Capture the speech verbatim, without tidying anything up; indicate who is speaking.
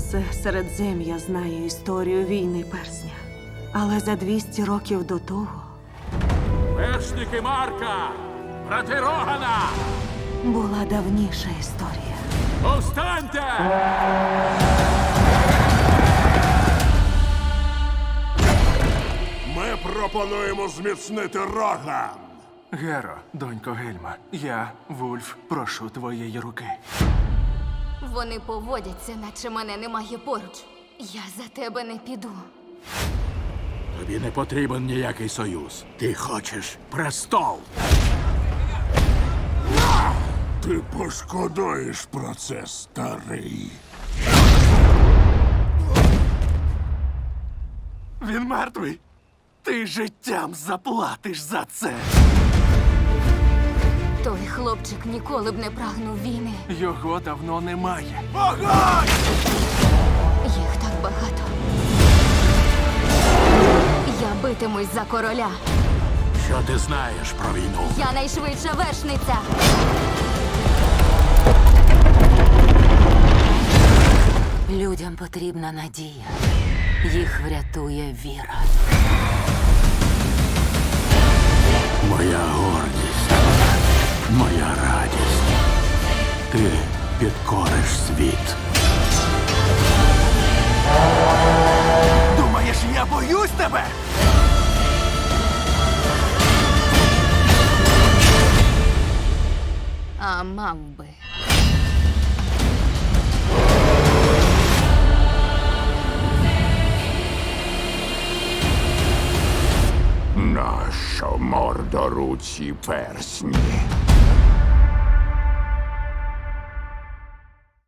Speaker 1: Усе Середзем'я знає історію війни персня. Але за двісті років до того
Speaker 2: Вершники Марка! Брати Рогана!
Speaker 1: була давніша історія.
Speaker 2: Повстаньте!
Speaker 3: Ми пропонуємо зміцнити Роган.
Speaker 4: Геро, донько Гельма, я, Вульф, прошу твоєї руки.
Speaker 5: Вони поводяться, наче мене немає поруч. Я за тебе не піду.
Speaker 2: Тобі не потрібен ніякий союз. Ти хочеш престол.
Speaker 3: Ти пошкодуєш про це, старий.
Speaker 4: Він мертвий. Ти життям заплатиш за це.
Speaker 5: Той хлопчик ніколи б не прагнув війни.
Speaker 4: Його давно немає.
Speaker 5: Їх так багато. Я битимусь за короля.
Speaker 2: Що ти знаєш про війну?
Speaker 5: Я найшвидша вершниця.
Speaker 6: Людям потрібна надія. Їх врятує віра.
Speaker 2: Моя гордість, моя радість. Ти підкориш світ.
Speaker 4: Думаєш, я боюсь тебе?
Speaker 5: А мав би.
Speaker 3: Нащо мордоруці персні?